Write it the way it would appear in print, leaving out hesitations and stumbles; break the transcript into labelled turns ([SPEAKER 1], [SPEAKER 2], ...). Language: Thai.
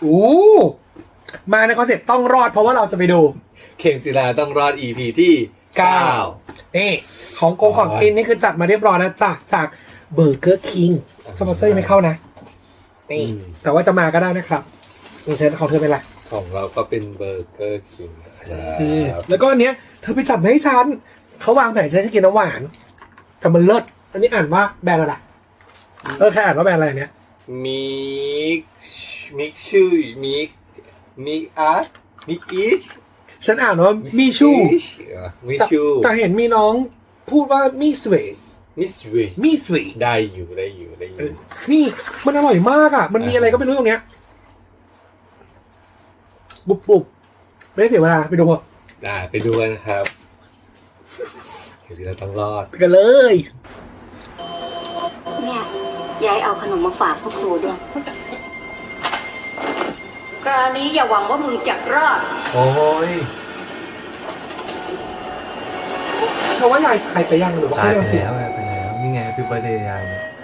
[SPEAKER 1] อู้มาในคอนเซ็ปต์ต้องรอดเพราะว่าเราจะไปดู
[SPEAKER 2] เข็มศิลาต้องรอด EP ที่9
[SPEAKER 1] นี่ของของกินนี่คือจัดมาเรียบร้อยแล้วจากเบอร์เกอร์คิงสปอนเซอร์ยังไม่เข้านะนี่แต่ว่าจะมาก็ได้นะครับนี่เธอของเธอเป็นไร
[SPEAKER 2] ของเราก็เป็นเบอร์เกอร์คิงครับ
[SPEAKER 1] แล้วก็อันเนี้ยเธอไปจัดมาให้ฉันเขาวางแผนจะให้กินน้ำหวานแต่มันเลิศอันนี้อ่านว่าแบรนด์อะไรใครอ่านว่าแบรนด์อะไรเนี่ย
[SPEAKER 2] มิกชื่อมิกอาร์มิกอีช
[SPEAKER 1] ฉันอ่านว่ามีชู
[SPEAKER 2] มิชู
[SPEAKER 1] แต่เห็นมีน้องพูดว่ามีสเวย์
[SPEAKER 2] มิสเว
[SPEAKER 1] มีสเวย์
[SPEAKER 2] ได้อยู่
[SPEAKER 1] นี่มันอร่อยมากอ่ะมันมีอะไรก็ไม่รู้ตรงเนี้ยบุบไม่ได้เสียเวลาไปดูเถอะ
[SPEAKER 2] ได้ไปดูกันนะครับเข็มศิลาต้องรอด
[SPEAKER 1] ไปกันเลย
[SPEAKER 3] เนี่ยยายเอาขนมมาฝากพวกครูด้วย
[SPEAKER 4] คราวนี้อย่าหวังว่ามึงจะรอด
[SPEAKER 2] โอ้ย
[SPEAKER 1] เธอว่ายายใครไปยังหรือว่า
[SPEAKER 2] ตาย
[SPEAKER 1] ให้
[SPEAKER 2] ไป
[SPEAKER 1] เราเสีย
[SPEAKER 2] แล้วนี่ไงพี่เบอร์เดย์ยายเนี่ย